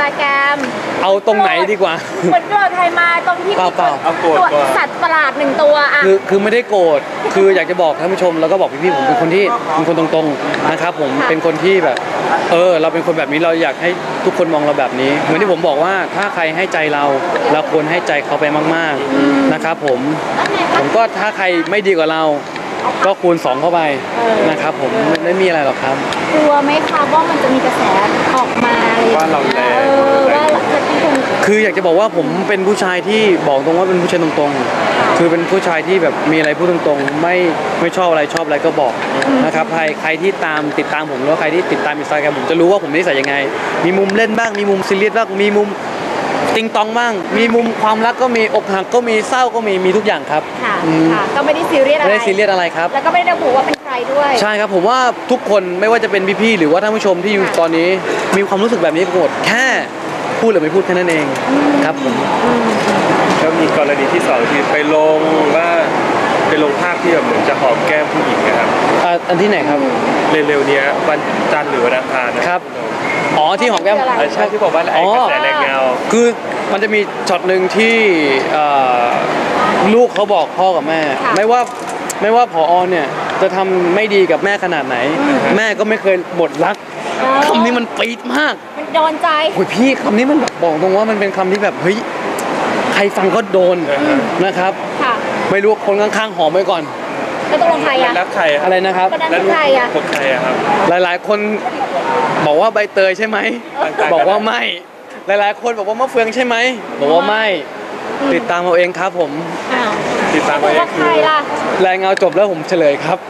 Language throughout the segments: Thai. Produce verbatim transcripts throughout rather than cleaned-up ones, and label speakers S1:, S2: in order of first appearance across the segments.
S1: แกรม
S2: เอาตรงไหนดีกว่า
S1: เหมือนโกรธใครมาตรงที่มี
S2: เปล่า
S3: เอาโกรธ
S1: ตัว
S3: ก่อน
S1: สัตว์ประหลาดหนึ่งตัวอ่ะ
S2: คือคือไม่ได้โกรธคืออยากจะบอกท่านผู้ชมแล้วก็บอกพี่ๆผมเป็นคนที่เป็นคนตรงๆนะครับผมเป็นคนที่แบบเออเราเป็นคนแบบนี้เราอยากให้ทุกคนมองเราแบบนี้เหมือนที่ผมบอกว่าถ้าใครให้ใจเราเราควรให้ใจเขาไปมากๆนะครับผมผมก็ถ้าใครไม่ดีกว่าเราก็คูณสองเข้าไปนะครับผมไม่มีอะไรหรอกครับ
S1: กลัวไหมคะว่ามันจะมีกระแสออกมาอะไรอย่าง
S3: ว่าเรา
S1: เงี้
S3: แร
S1: ย
S3: ง
S1: เออว่าจะเป็นคน
S2: คืออยากจะบอกว่าผมเป็นผู้ชายที่บอกตรงว่าเป็นผู้ชายตรงๆคือเป็นผู้ชายที่แบบมีอะไรพูดตรงๆไม่ไม่ชอบอะไรชอบอะไรก็บอกนะครับใครใครที่ตามติดตามผมหรือว่าใครที่ติดตามอินสตาแกรมผมจะรู้ว่าผมนิสัยยังไงมีมุมเล่นบ้างมีมุมซีเรียสบ้างมีมุมติงตองบ้างมีมุมความรักก็มีอกหักก็มีเศร้าก็มีมีทุกอย่างครับ
S1: ค่ะ
S2: อืม
S1: ค่ะก็ไม่ได้ซีเรียสอะไร
S2: ไม่ได้ซีเรียสอะไรครับ
S1: แล้วก็ไม่ได้ระบุว่าเป็นใครด้วย
S2: ใช่ครับผมว่าทุกคนไม่ว่าจะเป็นพี่ๆหรือว่าท่านผู้ชมที่อยู่ตอนนี้มีความรู้สึกแบบนี้หมดแค่พูดหรือไม่พูดแค่นั้นเองครับผม
S3: แล้วมีกรณีที่สองที่ไปลงว่าไปลงภาพที่แบบเหมือนจะหอมแก้มผู้หญิงนะครับ
S2: อ่าอันที่ไหนครับ
S3: เร็วๆเนี้ยวันจันทร์หรือวันอังคารนะครับ
S2: อ๋อที่หอมแก้ม
S3: เออใช่ที่บอกว่าไอ้กระแสแรงเงา
S2: คือมันจะมีช็อตหนึ่งที่เอ่อลูกเขาบอกพ่อกับแม่
S1: ค่ะ
S2: ไม่ว่าไม่ว่าผอเนี่ยจะทำไม่ดีกับแม่ขนาดไหน แม่ก็ไม่เคยหมดรักคำนี้มันปี๊ดมาก
S1: มันโดนใจ
S2: โอ้ยพี่คำนี้มันแบบบอกตรงว่ามันเป็นคำที่แบบเฮ้ยใครฟังก็โดนนะครับ
S1: ค่ะ
S2: ไม่รู้คนข้างๆหอมไว้ก่อน
S1: แล้วตกลงใครอะ
S3: แล้วใครอะ
S2: อะไรนะครับ
S1: คนนั้น
S3: แล้ว
S1: คือใครอะ
S3: คนใครอะครับ
S2: หลายๆ คนบอกว่าใบเตยใช่ไหม
S3: ต่างๆ
S2: บอกว่าไม่ หลายๆ คนบอกว่ามะเฟืองใช่ไหมบอกว่าไม่ ติดตามเอาเองครับผม
S1: อ้าว
S3: ติดตาม
S1: บ
S3: ไว้
S1: อกว่าใครล่ะ
S2: รายงานจบแล้วผมเฉลยครับ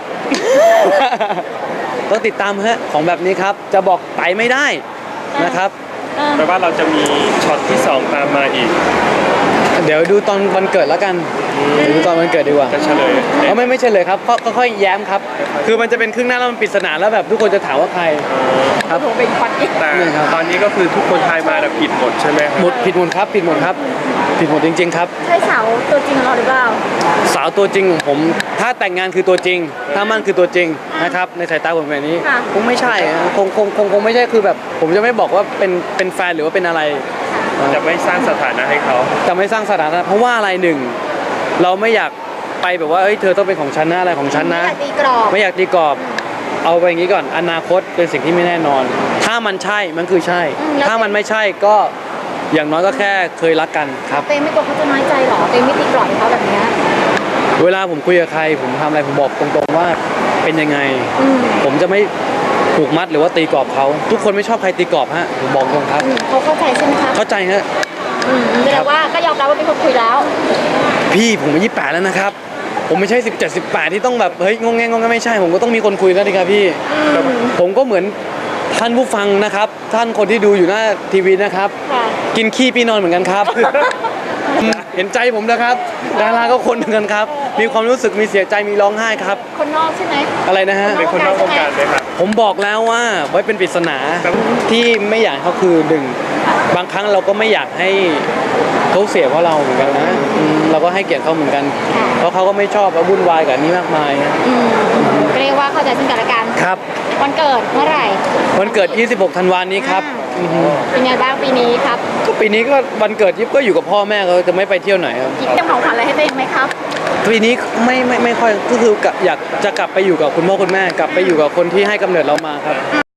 S2: ต้องติดตามฮะของแบบนี้ครับ จะบอกไตไม่ได้นะครับ
S1: เออ
S3: แปลว่าเราจะมีช็อตที่สองตามมาอีก
S2: เดี๋ยวดูตอนวันเกิดแล้วกันเดี๋ยวดูตอนวันเกิดดีกว่า
S3: จะเฉลย
S2: เขาไม่ไม่เฉลยครับก็ก็ค่อยแย้มครับ คือมันจะเป็นครึ่งหน้าแล้วมันปริศนาแล้วแบบทุกคนจะถามว่าใคร ครับ
S1: ผมเป็นควันอีก
S3: แต่
S2: นี่ครับ
S3: ตอนนี้ก็คือทุกคนทายมาแบบผิดหมดใช่ไหมครับ
S2: หมดผิดหมดครับผิดหมดครับผิดหมดจริง ๆ ครับ
S1: ใช่สาวตัวจริงของเราหรือเปล่า
S2: สาวตัวจริงของผมถ้าแต่งงานคือตัวจริง ถ้ามั่นคือตัวจริงนะครับในสายตาผมแบบนี้
S1: ค่ะ
S2: คงไม่ใช่อะคงคงคงคงไม่ใช่คือแบบ ผมจะไม่บอกว่าเป็นเป็นแฟนหรือว่าเป็นอะไร
S3: จะไม่สร้างสถานะให้เขา
S2: จะไม่สร้างสถานะเพราะว่าอะไรหนึ่งเราไม่อยากไปแบบว่าเอ้ยเธอต้องเป็นของฉันนะอะไรของฉัน
S1: ไม่
S2: นะ
S1: อยากตีกรอบ
S2: ไม่อยากตีกรอบเอาไปอย่างนี้ก่อนอนาคตเป็นสิ่งที่ไม่แน่นอน ถ้ามันใช่มันคือใช่ ถ้ามันไม่ใช่ก็อย่างน้อยก็แค่เคยรักกันครับ
S1: เต้ไม่กลัวเขาจะน้อยใจหรอเต้ไม่ตีกรอบให้เขาแบบเนี้ย
S2: เวลาผมคุยกับใครผมทำอะไรผมบอกตรงๆว่าเป็นยังไง
S1: อืม
S2: ผมจะไม่ผูกมัดหรือว่าตีกรอบเขาทุกคนไม่ชอบใครตีกรอบฮะผมบอกตรงครับ
S1: อืมเขาเข้าใจใช่ไหมคะ
S2: เข้าใจฮะ
S1: อืมแสดงว่าก็ยอมรับว่าเป็นคนคุยแล้ว
S2: พี่ผมอายุยี่สิบแปดแล้วนะครับ ผมไม่ใช่สิบเจ็ด สิบแปดที่ต้องแบบเฮ้ยงงแงงงงแงไม่ใช่ผมก็ต้องมีคนคุยแล้วดิครับพี่ ผมก็เหมือนท่านผู้ฟังนะครับ ท่านคนที่ดูอยู่หน้าทีวีนะครับ
S1: ค่ะ
S2: กินขี้พี่นอนเหมือนกันครับ เห็นใจผมนะครับดาราก็คนเหมือนกันครับ มีความรู้สึกมีเสียใจมีร้องไห้ครับ
S1: คนนอกใช่ไหม
S2: อะไรนะฮะ
S3: เป็นคนนอกวงการไหมครับ
S2: ผมบอกแล้วว่าไว้เป็นปริศนาที่ไม่อยากให้เขาคือหนึ่งบางครั้งเราก็ไม่อยากให้เขาเสียเพราะเราเหมือนกันนะอืมเราก็ให้เกียรติเขาเหมือนกัน เพราะเขาก็ไม่ชอบแล้ววุ่นวายกับอันนี้มากมาย
S1: อืมก็เรียกว่าเข้าใจซึ่งกันและกัน
S2: ครับ
S1: วันเกิดเมื่อไหร่
S2: วันเกิด ยี่สิบหก ธันวาคมนี้ครับอือฮึ
S1: เป็นไงบ้างปีนี้ครับ
S2: ก็ปีนี้ก็วันเกิดยิบก็อยู่กับพ่อแม่เขาจะไม่ไปเที่ยวไหนครับ
S1: คิดจะของขวัญอะไรให้ตัวเองไหมครับ
S2: ปีนี้ไม่ไม่ไม่ค่อยก็คือกะอยากจะกลับไปอยู่กับคุณพ่อคุณแม่ กลับไปอยู่กับคนที่ให้กำเนิดเรามาครับ